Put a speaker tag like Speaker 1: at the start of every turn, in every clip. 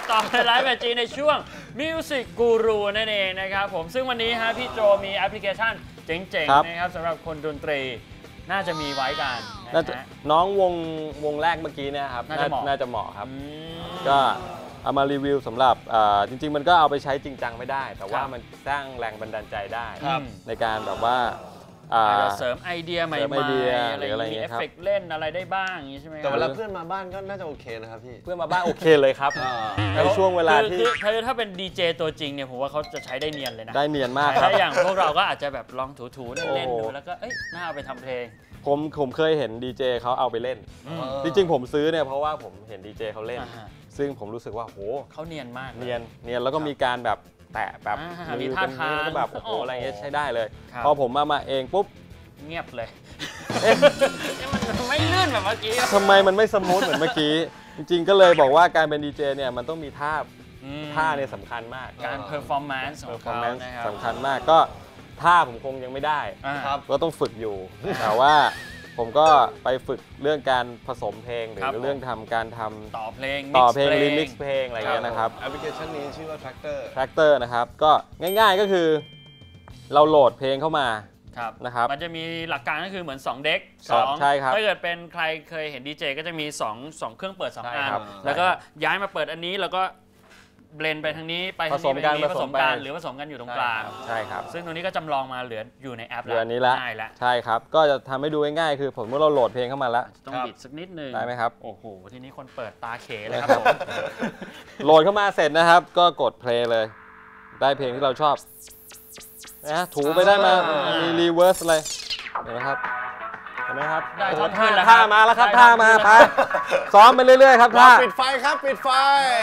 Speaker 1: ต่อในไลฟ์แบบจีในช่วง Music Guru นั่นเองนะครับผมซึ่งวันนี้ฮะพี่โจมีแอปพลิเคชันเจ๋งๆนะครับสำหรับคนดนตรีน่าจะมีไว้กัน
Speaker 2: น้องวงแรกเมื่อกี้เนี่ยครับน่าจะเหมาะครับก็เอามารีวิวสำหรับจริงๆมันก็เอาไปใช้จริงจังไม่ได้แต่ว่ามันสร้างแรงบันดาลใจได้ในการแบบว่า
Speaker 1: เสริมไอเดียใหม่ๆอะไรมีเอฟเฟกต์เล่นอะไรได้บ้างอย่างนี้ใช่ไหม
Speaker 3: แต่เวลาเพื่อนมาบ้านก็น่าจะโอเคนะครับพี่
Speaker 2: เพื่อนมาบ้านโอเคเลยครับในช่วงเวลาที่
Speaker 1: ถ้าเป็นดีเจตัวจริงเนี่ยผมว่าเขาจะใช้ได้เนียนเลยนะ
Speaker 2: ได้เนียนมาก
Speaker 1: ถ้าอย่างพวกเราก็อาจจะแบบลองถูๆเล่นๆดูแล้วก็น่าเอาไปทำเพลง
Speaker 2: ผมเคยเห็นดีเจเขาเอาไปเล่นจริงๆผมซื้อเนี่ยเพราะว่าผมเห็นดีเจเขาเล่นซึ่งผมรู้สึกว่าโห
Speaker 1: เขาเนียนมาก
Speaker 2: เนียนแล้วก็มีการแบบแตะแบบ
Speaker 1: มีท่าทาง
Speaker 2: แบบโอ้โหอะไรเงี้ยใช้ได้เลยพอผมมาเองปุ๊บ
Speaker 1: เงียบเลยมันไม่ลื่นแบบเมื่อกี้
Speaker 2: ทำไมมันไม่สมูทเหมือนเมื่อกี้จริงๆก็เลยบอกว่าการเป็นดีเจเนี่ยมันต้องมีท่าเนี่ยสำคัญมาก
Speaker 1: การเพอร์ฟอร์แมนซ์ของเขานะครับ
Speaker 2: สำคัญมากก็ท่าผมคงยังไม่ได้ก็ต้องฝึกอยู่แต่ว่าผมก็ไปฝึกเรื่องการผสมเพลงหรือเรื่องการทำ
Speaker 1: ต่อเพลง
Speaker 2: รีมิกซ์เพลงอะไรเงี้ยนะครับ
Speaker 3: แอปพลิเคชันนี้ชื่อว่า
Speaker 2: Tractor นะครับก็ง่ายๆก็คือเราโหลดเพลงเข้ามานะครับ
Speaker 1: มันจะมีหลักการก็คือเหมือน2เด็ก
Speaker 2: ใช่ครับ
Speaker 1: ถ้าเกิดเป็นใครเคยเห็นดีเจก็จะมี2เครื่องเปิด2อันแล้วก็ย้ายมาเปิดอันนี้แล้วก็เบลนไปทางนี้ไปทางนี้ผสมกันหรือผสมกันอยู่ตรงกลาง
Speaker 2: ใช่ครับ
Speaker 1: ซึ่งตรงนี้ก็จำลองมาเหลืออยู่ในแอป
Speaker 2: แล้วง่ายแล้วใช่ครับก็จะทำให้ดูง่ายๆคือผมเมื่อเราโหลดเพลงเข้ามาแล้ว
Speaker 1: ต้องบิดสักนิดนึง
Speaker 2: ได้ไหมครับ
Speaker 1: โอ้โหทีนี้คนเปิดตาเขเลยครับผม
Speaker 2: โหลดเข้ามาเสร็จนะครับก็กดเพลงเลยได้เพลงที่เราชอบนะถูไปได้มามีรีเวิร์สอะไรเห็นไหมครับ
Speaker 1: ได้
Speaker 2: ท่ามาแล้วครับท่ามาไปซ้อมไปเรื่อยๆครับท่า
Speaker 3: ปิดไฟครับปิดไฟ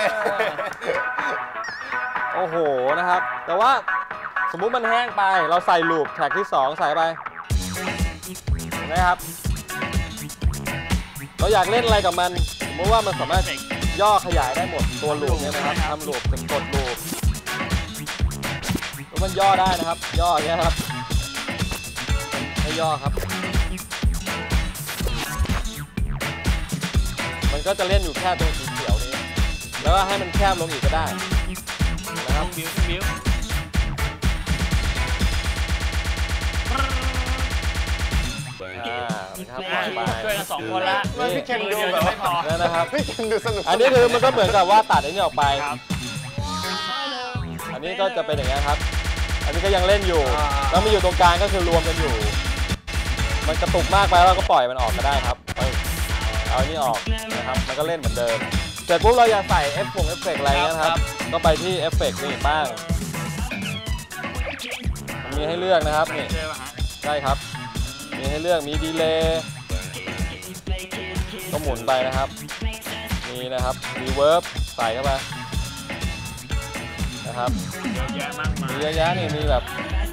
Speaker 2: โอ้โหนะครับแต่ว่าสมมุติมันแห้งไปเราใส่ลูปแทร็กที่2ใส่ไปนะครับเราอยากเล่นอะไรกับมันสมมติว่ามันสามารถย่อขยายได้หมดตัวลูปเนี่ยนะครับทำลูปเป็นกดลูปมันย่อได้นะครับย่ออย่างเงี้ยครับให้ย่อครับมันก็จะเล่นอยู่แค่ตัวสีเขียวนี้แล้วก็ให้มันแคบลงอีกก็ได้นะครับ
Speaker 1: บิ้วช่วยกัน2คนละ
Speaker 3: พี่เคนดูแบบ
Speaker 1: ไม่พอ
Speaker 2: นะครับ
Speaker 3: พี่เคนดูสนุก
Speaker 2: อันนี้คือมันก็เหมือนกับว่าตัดอันนี้ออกไปอันนี้ก็จะเป็นอย่างนี้ครับอันนี้ก็ยังเล่นอยู่แล้วมาอยู่ตรงกลางก็คือรวมกันอยู่มันกระตุกมากไปเราก็ปล่อยมันออกก็ได้ครับเอาอันนี้ออกนะครับมันก็เล่นเหมือนเดิมแต่ปุ๊บเราอยากใส่เอฟเฟกต์อะไรนะครับก็ไปที่เอฟเฟกต์นี่บ้างมีให้เลือกนะครับนี่ใช่ครับมีให้เลือกมีดีเลย์ก็หมุนไปนะครับมีนะครับรีเวิร์บใส่เข้าไปนะครับมีเยอะแยะนี่มีแบบ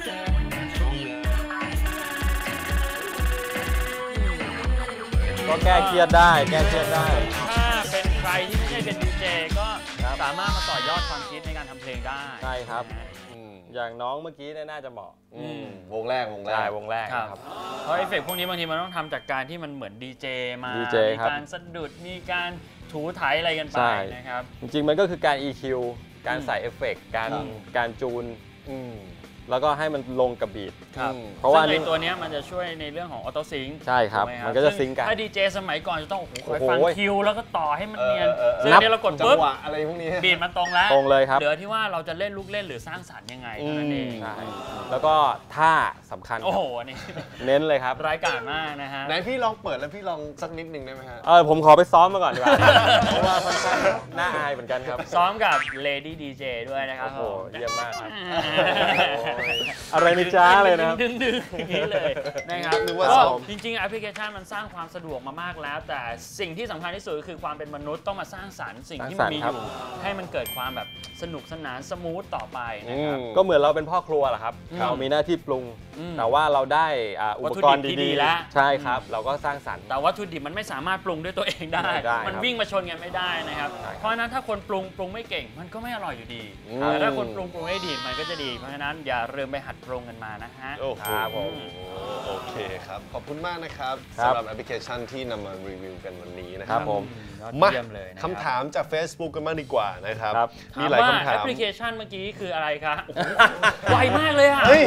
Speaker 2: ก็แก้เครียดได้ถ้า
Speaker 1: เป็นใครที่ไม่ใช่เป็นดีเจก็สามารถมาต่อยอดความคิดในการทำเพลงได้
Speaker 2: ใช่ครับอย่างน้องเมื่อกี้น่าจะเหมาะ
Speaker 3: วงแรก
Speaker 2: ครับ
Speaker 1: เพราะเอฟเฟกต์พวกนี้บางทีมันต้องทำจากการที่มันเหมือนดีเจมามีการสะดุดมีการถูไถอะไรกันไปนะครับ
Speaker 2: จริงๆมันก็คือการ EQ การใส่เอฟเฟกต์การจูนแล้วก็ให้มันลงกับบีท
Speaker 1: เพราะว่าในตัวนี้มันจะช่วยในเรื่องของออโต้ซิงค์
Speaker 2: ใช่ครับมันก็จะซิงค์กัน
Speaker 1: ถ้าดีเจสมัยก่อนจะต้องคอยฟังคิวแล้วก็ต่อให้มันเนียนซึ่งนี้เรากดปุ๊บ
Speaker 3: อะไรพวกนี้
Speaker 1: บีทมันตรงแล้ว
Speaker 2: ตรงเลยครับ
Speaker 1: เหลือที่ว่าเราจะเล่นลูกเล่นหรือสร้างสรรค์ยังไงนั่นเอง
Speaker 2: แล้วก็ท่าสำคัญ
Speaker 1: โอ้โหนี่
Speaker 2: เน้นเลยครับ
Speaker 1: รายการมากนะฮะ
Speaker 3: ไหนพี่ลองเปิดแล้วพี่ลองสักนิดนึงได้ไหมฮะ
Speaker 2: ผมขอไปซ้อมมาก่อนดีกว่าเพราะว่าค่อนข้างน่าอายเหมือนกันครับ
Speaker 1: ซ้อมกับ Lady DJ ด้วยนะครับ
Speaker 2: โอ้โหเยี่ยมมากครับอะไรนี่จ้าเลยนะ
Speaker 1: ดึงอย่างนี้เลยนะครับก็จริงๆแอปพลิเคชันมันสร้างความสะดวกมามากแล้วแต่สิ่งที่สำคัญที่สุดก็คือความเป็นมนุษย์ต้องมาสร้างสรรค์สิ่งที่มันมีอยู่ให้มันเกิดความแบบสนุกสนานสมูทต่อไปนะครับ
Speaker 2: ก็เหมือนเราเป็นพ่อครัวแหละครับเรามีหน้าที่ปรุงแต่ว่าเราได้อุปกรณ์ดีๆแล้วใช่ครับเราก็สร้างสรรค์
Speaker 1: แต่วัตถุดิบมันไม่สามารถปรุงด้วยตัวเองได้มันวิ่งมาชนกันไม่ได้นะครับเพราะฉะนั้นถ้าคนปรุงไม่เก่งมันก็ไม่อร่อยอยู่ดีแต่ถ้าคนปรุงให้ดีมันก็จะดีเพราะฉะนั้นอย่าลืมไปหัดปรุงกันมานะฮะ
Speaker 3: ครับผมโอเคครับครับขอบคุณมากนะครับ
Speaker 2: ครับ
Speaker 3: สำหรับแอปพลิเคชันที่นำมารีวิวกันวันนี้นะค
Speaker 2: ค
Speaker 3: รั
Speaker 2: รั
Speaker 3: บบ
Speaker 2: ผม
Speaker 3: มา
Speaker 1: เยี่ยมเลยนะ
Speaker 3: คำถามจาก Facebook กันมากดีกว่านะครับ
Speaker 2: ครับ
Speaker 3: มีหลายคำถา
Speaker 1: แอ
Speaker 3: ม
Speaker 1: ปพลิเคชันเมื่อกี้คืออะไรคะโอ้โหไวมากเลยอ่ะ
Speaker 3: เฮ้ย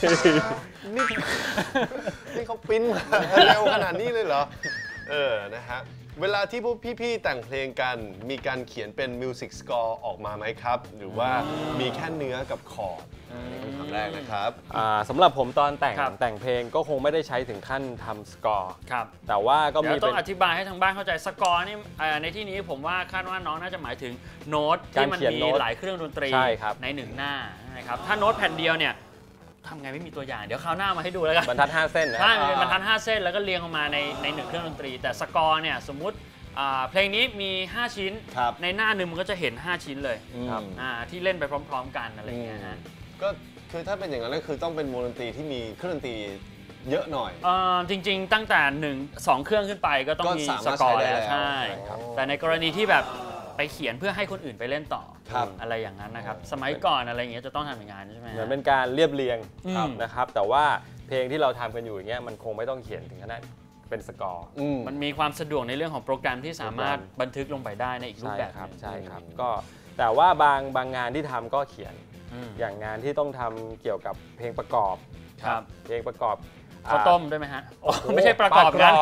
Speaker 3: นี่เขาปริ้นมาเร็วขนาดนี้เลยเหรอ นะฮะ เวลาที่พวกพี่ๆแต่งเพลงกัน มีการเขียนเป็นมิวสิกสกอร์ออกมาไหมครับ หรือว่ามีแค่เนื้อกับคอร์ดนี่คำถามแรกนะครับ
Speaker 2: สำหรับผมตอนแต่ง
Speaker 1: ครับ
Speaker 2: แต่งเพลงก็คงไม่ได้ใช้ถึงขั้นทำสกอร์
Speaker 1: ครับ
Speaker 2: แต่ว่าก็
Speaker 1: เดี๋
Speaker 2: มี
Speaker 1: ยวต้
Speaker 2: เป็
Speaker 1: อน งอธิบายให้ทางบ้านเข้าใจสกอร์นี่ในที่นี้ผมว่าคาดว่าน้องน่าจะหมายถึงโน้ตที่มัน
Speaker 2: การเขียน
Speaker 1: มี
Speaker 2: โน้ต
Speaker 1: หลายเครื่องดนตรี
Speaker 2: ใช่ครับ
Speaker 1: ในหนึ่งหน้านะครับถ้าโน้ตแผ่นเดียวเนี่ยทำไงไม่มีตัวอย่างเดี๋ยวคราวหน้ามาให้ดูแล้วกัน
Speaker 2: บรรทัด 5 เส้นนะ
Speaker 1: ใช่มันเป็นบรรทัด5 เส้นแล้วก็เรียงออกมาในหนึ่งเครื่องดนตรี แต่สกอร์เนี่ยสมมุติเพลงนี้มี 5 ชิ้น
Speaker 3: ครับ
Speaker 1: ในหน้าหนึ่งมันก็จะเห็น 5 ชิ้นเลย
Speaker 2: ครับ
Speaker 1: ที่เล่นไปพร้อม ๆ กันอะไรอย่างเงี้ยฮะ
Speaker 3: ก็คือถ้าเป็นอย่างนั้นก็คือต้องเป็นวงดนตรีที่มีเครื่องดนตรีเยอะหน่อย
Speaker 1: จริง ๆ ตั้งแต่2 เครื่องขึ้นไปก็ต้อง
Speaker 3: ก็
Speaker 1: มี
Speaker 3: สา
Speaker 1: ส
Speaker 3: มารถ
Speaker 1: กอร์
Speaker 3: ใช้ได้
Speaker 1: แล้ว
Speaker 3: แล้ว
Speaker 1: ใช่
Speaker 3: ครับ
Speaker 1: แต่ในกรณีที่แบบไปเขียนเพื่อให้คนอื่นไปเล่นต่อ
Speaker 3: ครับ
Speaker 1: อะไรอย่างนั้นนะครับสมัยก่อนอะไรอย่างเงี้ยจะต้องทำอย่างนั้นใช่ไหม
Speaker 2: เหมือนเป็นการเรียบเรียง
Speaker 1: ครับ
Speaker 2: นะครับ แต่ว่าเพลงที่เราทำกันอยู่อย่างเงี้ยมันคงไม่ต้องเขียนถึงขนาดเป็นสกอร์
Speaker 1: มันมีความสะดวกในเรื่องของโปรแกรมที่สามารถบันทึกลงไปได้ในอีกรูป
Speaker 2: ใช่
Speaker 1: แบบ
Speaker 2: ครับ
Speaker 1: หนึ่ง
Speaker 2: ใช่ครับก็แต่ว่าบางงานที่ทำก็เขียน
Speaker 1: อืม
Speaker 2: อย่างงานที่ต้องทำเกี่ยวกับเพลงประกอบ
Speaker 1: ครับ
Speaker 2: เพลงประกอบ
Speaker 1: ข้าวต้มด้วยไหมฮะโอ้ไม่ใช่ประกอบ
Speaker 2: ปลา
Speaker 1: นั้น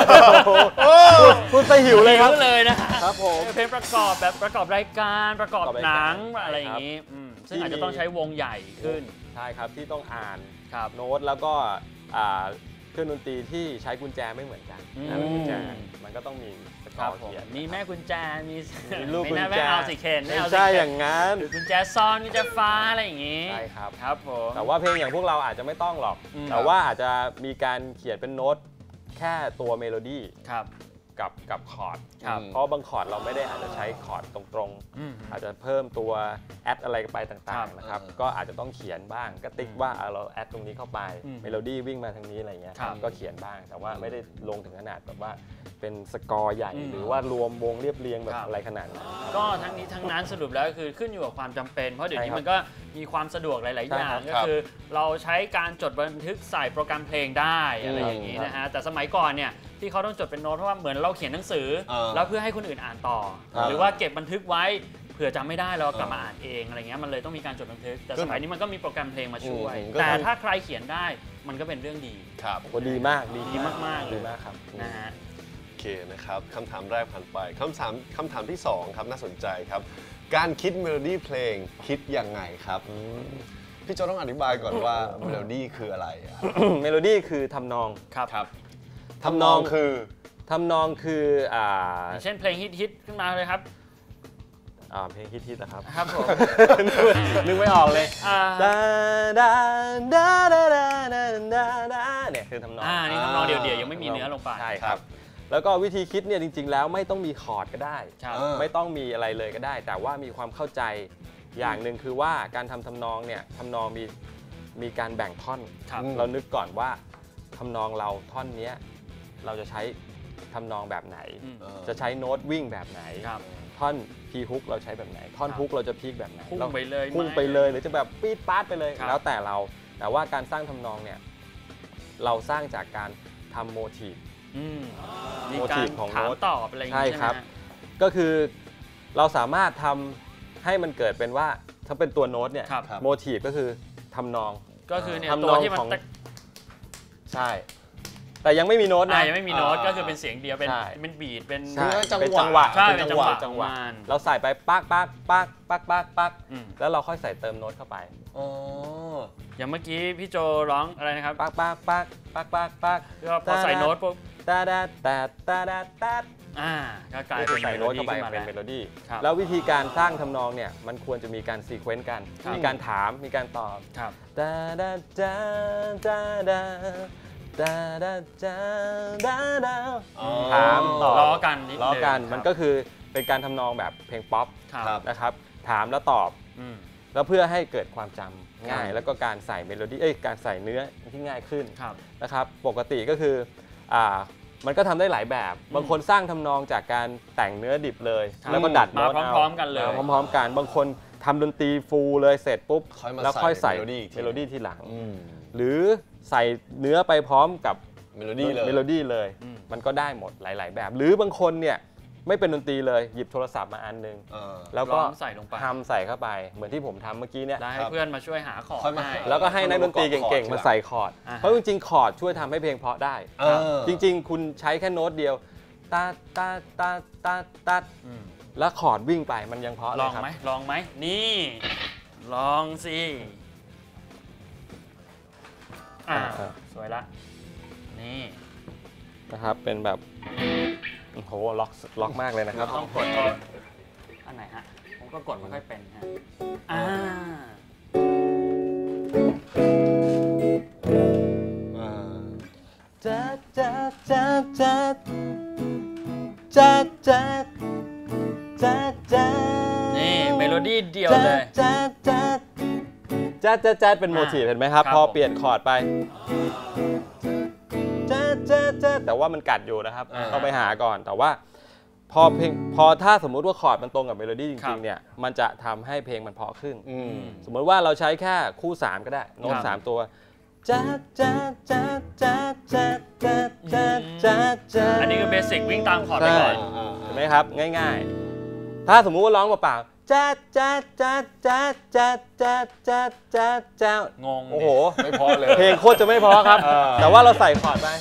Speaker 2: พูดไปหิวเลยครับ
Speaker 1: เลยนะฮะ
Speaker 2: ครับผม
Speaker 1: เพลงประกอบแบบประกอบรายการประกอบ
Speaker 2: ประกอบราย
Speaker 1: ห
Speaker 2: การ
Speaker 1: นังอะไรอย่างนี้ซึ่งอาจจะต้องใช้วงใหญ่ขึ้น
Speaker 2: ใช่ครับที่ต้องอ่าน
Speaker 1: ครับ
Speaker 2: โน้ตแล้วก็เครื่องดนตรีที่ใช้กุญแจไม่เหมือนกัน
Speaker 1: อืม
Speaker 2: นะกุญแจมันก็ต้องมีสก
Speaker 1: ค
Speaker 2: อ
Speaker 1: รับ
Speaker 2: ร์
Speaker 1: ผม
Speaker 2: เขียน
Speaker 1: มีแม่กุญแจมี
Speaker 2: มีลูก
Speaker 1: ไม่
Speaker 2: กุญ
Speaker 1: น่า
Speaker 2: แจ
Speaker 1: ไม่เอาสิเคนไม่
Speaker 2: ไม่
Speaker 1: เอาสิ
Speaker 2: ใช่
Speaker 1: เคน
Speaker 2: อย่างนั้น
Speaker 1: หรือกุญแจซ่อนกุญแจฟ้าอะไรอย่างนี้
Speaker 2: ใช่ครับ
Speaker 1: ครับผม
Speaker 2: แต่ว่าเพลงอย่างพวกเราอาจจะไม่ต้องหรอก
Speaker 1: อืม
Speaker 2: แต่ว่าอาจจะมีการเขียนเป็นโน้ตแค่ตัวเมโลดี้
Speaker 1: ครับ
Speaker 2: กับคอร์ด
Speaker 1: ครับ
Speaker 2: เพราะบางคอร์ดเราไม่ได้อาจจะใช้คอร์ดตรง
Speaker 1: อืม
Speaker 2: ๆ อาจจะเพิ่มตัวแอดอะไรไปต่า
Speaker 1: ครั
Speaker 2: ง
Speaker 1: บ
Speaker 2: ๆนะครับก็อาจจะต้องเขียนบ้างก็ติ๊กว่าเราแอดตรงนี้เข้าไป
Speaker 1: อืม
Speaker 2: เมโลดี้วิ่งมาทางนี้อะไรเงี้ย
Speaker 1: ครับ
Speaker 2: ก็เขียนบ้าง แต่ว่าไม่ได้ลงถึงขนาดแบบว่าเป็นสกอร์ใหญ่
Speaker 1: อืม
Speaker 2: หรือว่ารวมวงเรียบเรียงแบ
Speaker 1: ครับ บ
Speaker 2: อะไรขนาดนั้น
Speaker 1: ก็ทั้งนี้ทั้งนั้นสรุปแล้วคือขึ้นอยู่กับความจำเป็น เพราะเดี๋ยวนี้
Speaker 2: ใช่ครับ
Speaker 1: มันก็มีความสะดวกหลาย ๆ อย่าง
Speaker 2: ใช่ครับ
Speaker 1: ก็คือเราใช้การจดบันทึกใส่โปรแกรมเพลงได้อะไรอย่างนี้นะฮะแต่สมัยก่อนเนี่ยที่เขาต้องจดเป็นโน้ตเพราะว่าเหมือนเราเขียนหนังสือ แล้วเพื่อให้คนอื่นอ่านต่อ
Speaker 3: ครับ
Speaker 1: หรือว่าเก็บบันทึกไว้เผื่อจำไม่ได้เรากลับมาอ่านเองอะไรเงี้ยมันเลยต้องมีการจดบันทึก แต่สมัยนี้มันก็มีโปรแกรมเพลงมาช่วย
Speaker 3: ก็
Speaker 1: แต่ถ้าใครเขียนได้มันก็เป็นเรื่องดี
Speaker 3: ครับ
Speaker 2: โอ้ดีมาก
Speaker 1: ดีมากๆเลย
Speaker 2: ดีมากครับ
Speaker 1: นะฮะ
Speaker 3: โอเคนะครับคำถามแรกผ่านไปคำถามที่2ครับน่าสนใจครับ การคิดเมโลดี้เพลงคิดยังไงครับพี่โจต้องอธิบายก่อนว่าเมโลดี้คืออะไรอะ
Speaker 2: เมโลดี้คือทำนอง
Speaker 1: ครับ
Speaker 2: ทำนอง
Speaker 3: คือ
Speaker 2: ทำนองคือ
Speaker 1: อย่างเช่นเพลงฮิตๆขึ้นมาเลยครับ
Speaker 2: เพลงฮิตๆนะครับ
Speaker 1: ครับผม
Speaker 2: นึกไม่ออกเลย
Speaker 1: อ่า
Speaker 2: ดาดาดาดาดาดาดาดาเนี่ยคือทำนอง
Speaker 1: นี่ทำนองเดี่ยวๆยังไม่มีเนื้อลงไป
Speaker 2: ใช่ครับ แล้วก็วิธีคิดเนี่ยจริงๆแล้วไม่ต้องมีคอร์ดก็ได้
Speaker 1: ครับ
Speaker 2: ไม่ต้องมีอะไรเลยก็ได้ แต่ว่ามีความเข้าใจอย่างหนึ่งคือว่าการทำทำนองเนี่ยทำนองมีการแบ่งท่อน
Speaker 1: ครับ
Speaker 2: เรานึกก่อนว่าทำนองเราท่อนเนี้ยเราจะใช้ทำนองแบบไหน
Speaker 1: อืม
Speaker 2: จะใช้โน้ตวิ่งแบบไหน
Speaker 1: ครับ
Speaker 2: ท่อนพีฮุกเราใช้แบบไหน ท่อน
Speaker 1: ครับ
Speaker 2: ฮุกเราจะพีคแบบไหน
Speaker 1: พุ่งไปเลย
Speaker 2: พุ่ง
Speaker 1: ไหม
Speaker 2: ไปเลยหรือจะแบบปี๊ดป๊าดไปเลย
Speaker 1: ครับ
Speaker 2: แล้วแต่เรา แต่ว่าการสร้างทำนองเนี่ยเราสร้างจากการทำโมทีฟ
Speaker 1: มี
Speaker 2: โม
Speaker 1: กา
Speaker 2: ที
Speaker 1: ร
Speaker 2: ฟของ
Speaker 1: ถาม
Speaker 2: โน้ต
Speaker 1: ตอบอะไรอย่าง
Speaker 2: ใช่
Speaker 1: นี้ใช่ไหม
Speaker 2: ครับ
Speaker 1: ฮะ
Speaker 2: ก็คือเราสามารถทำให้มันเกิดเป็นว่าถ้าเป็นตัวโน้ตเนี่ย
Speaker 1: ครับ
Speaker 2: โมทีฟก็คือทำนอง
Speaker 1: ก็คือเนี่ย
Speaker 2: ทำน
Speaker 1: ตัว
Speaker 2: อง
Speaker 1: ที่มัน
Speaker 2: ของ
Speaker 1: ตะ
Speaker 2: ใช่ แต่ยังไม่มีโน้ตนะ
Speaker 1: ยังไม่มีโน้ตก็คือเป็นเสียงเดียวเป็น
Speaker 2: ใช่
Speaker 1: เป็นบีทเป็น
Speaker 2: ใช่
Speaker 3: จังหวะ
Speaker 2: เป็นจังหวะ
Speaker 1: ใช่
Speaker 2: เป็นจังหวะ
Speaker 1: เป็นจังหวะ
Speaker 2: เราใส่ไปปักปักปักปักปักปัก
Speaker 1: อืม
Speaker 2: แล้วเราค่อยใส่เติมโน้ตเข้าไป
Speaker 3: อ๋อ
Speaker 1: อย่างเมื่อกี้พี่โจร้องอะไรนะครับ
Speaker 2: ปักปักปักปักปักปัก
Speaker 1: ก็พอใส่โน้ตปุ๊บ
Speaker 2: ตาดาตาตาดาตา
Speaker 1: ก็กลาย
Speaker 2: ก็
Speaker 1: เป็น
Speaker 2: ใส่
Speaker 1: เมโล
Speaker 2: โน้ต
Speaker 1: ดี้
Speaker 2: เข้าไป
Speaker 1: ขึ้นมา
Speaker 2: เป็นเม
Speaker 1: แล้ว
Speaker 2: โลดี้
Speaker 1: ครับ
Speaker 2: แล้ววิธีการสร้างทำนองเนี่ยมันควรจะมีการซีเควนต์กัน
Speaker 1: ครับ
Speaker 2: มีการถามมีการตอบ
Speaker 1: ครับ
Speaker 2: ตาดาตาตาดาตาดาตาดาดา ถามตอบ
Speaker 1: ล้อกันนิดนึง
Speaker 2: ล้อกัน
Speaker 1: ครับ
Speaker 2: มันก็คือเป็นการทำนองแบบเพลงป๊อป
Speaker 1: ครับ
Speaker 2: นะครับถามแล้วตอบ
Speaker 1: อืม
Speaker 2: แล้วเพื่อให้เกิดความจำง่าย
Speaker 3: ครับ
Speaker 2: แล้วก็การใส่เมโลดี้การใส่เนื้อที่ง่ายขึ้น
Speaker 1: ครับ
Speaker 2: นะครับปกติก็คือมันก็ทำได้หลายแบบ บางคนสร้างทำนองจากการแต่งเนื้อดิบเลย
Speaker 1: ครับ
Speaker 2: แล้วก็ดัด
Speaker 1: มา
Speaker 2: โน้ตเอา
Speaker 1: พร้อมๆกันเลย
Speaker 2: พร้อมๆกันบางคนทำดนตรีฟูลเลยเสร็จปุ๊บ
Speaker 3: ค่อยมา
Speaker 2: แล้วค่อยใส่
Speaker 3: ใส่เมโลดี้อีกที
Speaker 2: เมโลดี้ทีหลัง
Speaker 3: อืม
Speaker 2: หรือใส่เนื้อไปพร้อมกับ
Speaker 3: เมโลดี้เลย
Speaker 2: เมโลดี้เลยมันก็ได้หมดหลายๆแบบ หรือบางคนเนี่ยไม่เป็นดนตรีเลยหยิบโทรศัพท์มาอันนึงแล้วก็
Speaker 1: ใส่ลงไป
Speaker 2: ทำใส่เข้าไปเหมือนที่ผมทำเมื่อกี้เนี่ย
Speaker 1: ให้เพื่อนมาช่วยหาคอร์ดให้
Speaker 2: แล้วก็ให้นักดนตรีเก่งๆมาใส่คอร์ดเพราะจริงๆคอร์ดช่วยทำให้เพลงเพราะได้จริงๆคุณใช้แค่โน้ตเดียวตาตาตาตาตาแล้วคอร์ดวิ่งไปมันยังเพราะเลยครับ
Speaker 1: ลองไหมนี่ลองสิสวยละนี่
Speaker 2: นะครับเป็นแบบโอ้โหล็อกมากเลยนะครับ
Speaker 1: ต้องกดอันไหนฮะผมก็กดไม่ค่อยเป็นฮะ
Speaker 2: จัดจัดจัดจัดจัดจัดจัดจัด
Speaker 1: นี่เมโลดี้เดียวเลย
Speaker 2: จัดจัดจัดจัดจัดเป็นโมทีฟเห็นไหมครับพอเปลี่ยนคอร์ดไปแต่ว่ามันกัดอยู่นะครับต้องไปหาก่อนแต่ว่าพอถ้าสมมุติว่าคอร์ดมันตรงกับเมโลดี้จริงๆเนี่ยมันจะทำให้เพลงมันเพราะขึ้นสมมติว่าเราใช้แค่คู่3ก็ได้โน้ต3ตัว
Speaker 1: อันนี้คือเบสิกวิ่งตามคอร์ดไปก่อน
Speaker 2: เห็นไหมครับง่ายๆถ้าสมมุติว่าร้องเปล่า
Speaker 1: งง
Speaker 2: โอ้โห
Speaker 3: ไม่พอเลย
Speaker 2: เพลงโคตรจะไม่พอครับแต่ว่าเราใส่คอร์ดไป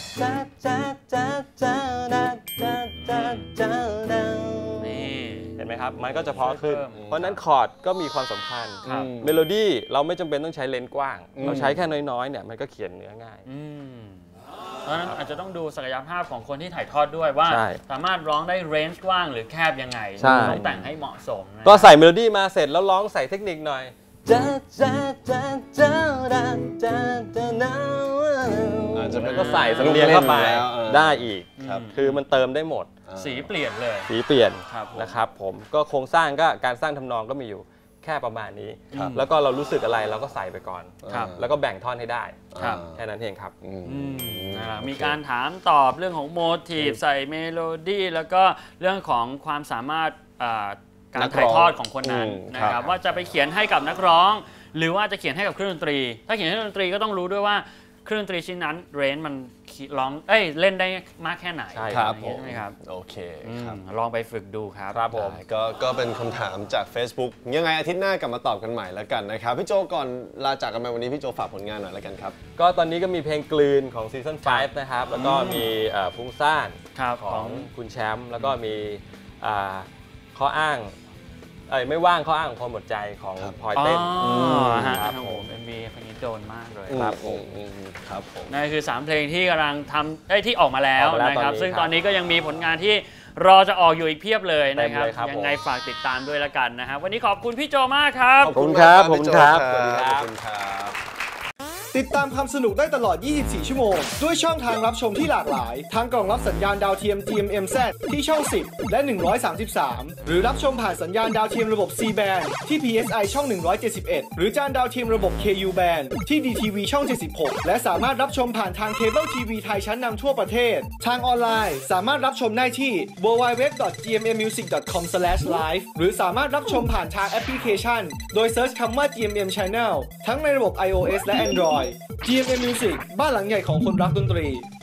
Speaker 2: นี่เห็นไหมครับมันก็จะเพราะขึ้นเพราะนั้นคอร์ดก็มีความสำคัญเมโลดี้เราไม่จำเป็นต้องใช้เลนส์กว้างเราใช้แค่น้อยๆเนี่ยมันก็เขียนเนื้อง่าย
Speaker 1: เพราะฉะนั้นอาจจะต้องดูศักยภาพของคนที่ถ่ายทอดด้วยว่าสามารถร้องได้เรนจ์กว้างหรือแคบยังไงต้องแต่งให้เหมาะสม
Speaker 2: ก็ใส่เมโลดี้มาเสร็จแล้วร้องใส่เทคนิคหน่อยอาจจะก็ใส่สำเนียงเข้าไปได้อีกคือมันเติมได้หมด
Speaker 1: สีเปลี่ยนเลย
Speaker 2: สีเปลี่ยนนะครับผมก็โครงสร้างก็การสร้างทำนองก็มีอยู่แค่ประมาณนี้แล้วก็เรารู้สึกอะไรเราก็ใส่ไปก่อนแล้วก็แบ่งท่อนให้ได้แค่นั้นเองครับ
Speaker 1: มีการถามตอบเรื่องของโมทีฟใส่เมโลดี้แล้วก็เรื่องของความสามารถการถ่ายทอดของคนนั้นนะครับว่าจะไปเขียนให้กับนักร้องหรือว่าจะเขียนให้กับเครื่องดนตรีถ้าเขียนให้เครื่องดนตรีก็ต้องรู้ด้วยว่าเครื่องดนตรีชิ้นนั้นเรนจ์มันร้องเล่นได้มากแค่ไหน
Speaker 2: ใช่ครับ
Speaker 1: ใช่ไหมครับ
Speaker 3: โอเคครับ
Speaker 1: ลองไปฝึกดูครับ
Speaker 2: ครับผม
Speaker 3: ก็เป็นคำถามจาก Facebook ยังไงอาทิตย์หน้ากลับมาตอบกันใหม่แล้วกันนะครับพี่โจก่อนลาจากกันไปวันนี้พี่โจฝากผลงานหน่อยแล้วกันครับ
Speaker 2: ก็ตอนนี้ก็มีเพลงกลืนของซีซั่น5นะครับแล้วก็มีฟุ้งซ่านของคุณแชมป์แล้วก็มีข้ออ้างไม่ว่างข้ออ้างของความหมดใจของพลอยเต้น
Speaker 1: ครับผมMVเพลงนี้โดนมากเลย
Speaker 2: ครับผม
Speaker 1: นั่นคือ3เพลงที่กำลังทำที่ออกมาแล้วนะครับซึ่งตอนนี้ก็ยังมีผลงานที่รอจะออกอยู่อีกเพียบเลยนะครับยังไงฝากติดตามด้วยละกันนะครับวันนี้ขอบคุณพี่โจมากครับ
Speaker 2: ขอบคุณครับผมครับ
Speaker 3: สวัสดีครับ
Speaker 4: ติดตามความสนุกได้ตลอด 24 ชั่วโมงด้วยช่องทางรับชมที่หลากหลายทั้งกล่องรับสัญญาณดาวเทียม GMMZ ที่ช่อง 10 และ 133 หรือรับชมผ่านสัญญาณดาวเทียมระบบ C band ที่ PSI ช่อง 171 หรือจานดาวเทียมระบบ KU band ที่ DTV ช่อง 76 และสามารถรับชมผ่านทางเคเบิลทีวีไทยชั้นนำทั่วประเทศทางออนไลน์สามารถรับชมได้ที่ www.gmmmusic.com/live หรือสามารถรับชมผ่านทางแอปพลิเคชันโดยเซิร์ชคำว่า GMM Channel ทั้งในระบบ iOS และ Android GMM Music บ้านหลังใหญ่ของคนรักดนตรี